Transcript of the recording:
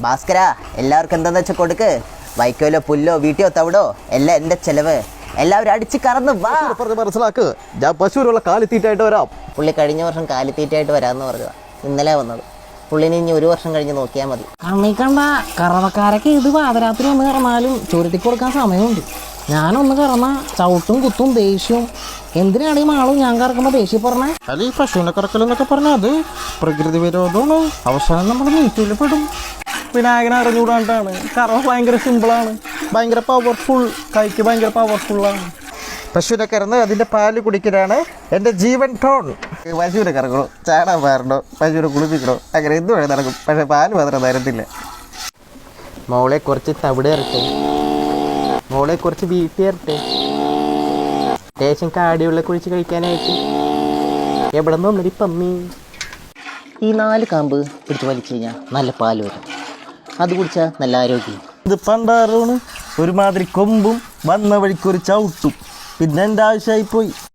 ഭാസ്കര, എല്ലാവർക്കും എന്താന്ന് വെച്ചാൽ കൊടുക്ക്. വൈക്കോലോ പുല്ലോ വീട്ടിയോ തവിടോ എല്ലാം എൻ്റെ ചെലവ്. എല്ലാവരും അടിച്ച് കറന്ന് വാ. മനസ്സിലാക്ക്, ഞാൻ പശുവിനുള്ള കാലിത്തീറ്റായിട്ട് വരാം. പുള്ളി കഴിഞ്ഞ വർഷം കാലിത്തീറ്റായിട്ട് വരാമെന്ന് പറഞ്ഞതാ. ഇന്നലെ വന്നത്. പുള്ളിനെ ഇനി 1 വർഷം കഴിഞ്ഞ് നോക്കിയാൽ മതി. അമ്മീ കണ്ട കറവക്കാരൊക്കെ ഇത് പാതിരാത്രി ഒന്ന് കറന്നാലും ചുരുട്ടി കൊടുക്കാൻ സമയമുണ്ട്. ഞാനൊന്ന് കറന്ന ചവിട്ടും കുത്തും ദേഷ്യവും. എന്തിനാണ് ഈ മാളും ഞാൻ കറക്കുമ്പോൾ ദേഷ്യം പറഞ്ഞേ? അല്ല, ഈ പശുവിനെ കറക്കലെന്നൊക്കെ പറഞ്ഞാൽ അത് പ്രകൃതി വിരോധമാണ്. അവസാനം നമ്മൾ നീറ്റിൽ പെടും. വിനായകനെ അറിഞ്ഞുകൂടാണ്ടാണ്. കറവ ഭയങ്കര സിമ്പിളാണ്, ഭയങ്കര പവർഫുൾ, കൈക്ക് ഭയങ്കര പവർഫുള്ളാണ്. പശുവിനെ കറന്ന് അതിൻ്റെ പാല് കുടിക്കലാണ് എൻ്റെ ജീവൻ ടോൺ. പശുവിനെ കറക്കണോ, ചാടാൻ പാറണോ, പശുവിനെ കുളിപ്പിക്കണോ, അങ്ങനെ എന്ത് വേണം നടക്കും. പക്ഷേ പാല് മാത്രം തരത്തില്ല. മോളെ കുറച്ച് തവിട് ഇറട്ടെ, മോളെ കുറച്ച് വീട്ടി ഇറട്ടെ, ലേശം കാടിയുള്ള കുഴിച്ച് കഴിക്കാനായിട്ട്. എവിടെ നിന്ന് വന്നൊരു പമ്മി. ഈ 4 കാമ്പ് പിടിച്ച് വലിച്ചു കഴിഞ്ഞാൽ നല്ല പാല് വരും. അത് കുടിച്ചാൽ നല്ല ആരോഗ്യം. ഇത് പണ്ടാറാണ്, ഒരുമാതിരി കൊമ്പും വന്ന വഴിക്കൊരു ചവിട്ടും. പിന്നെ എൻ്റെ ആവശ്യമായി പോയി.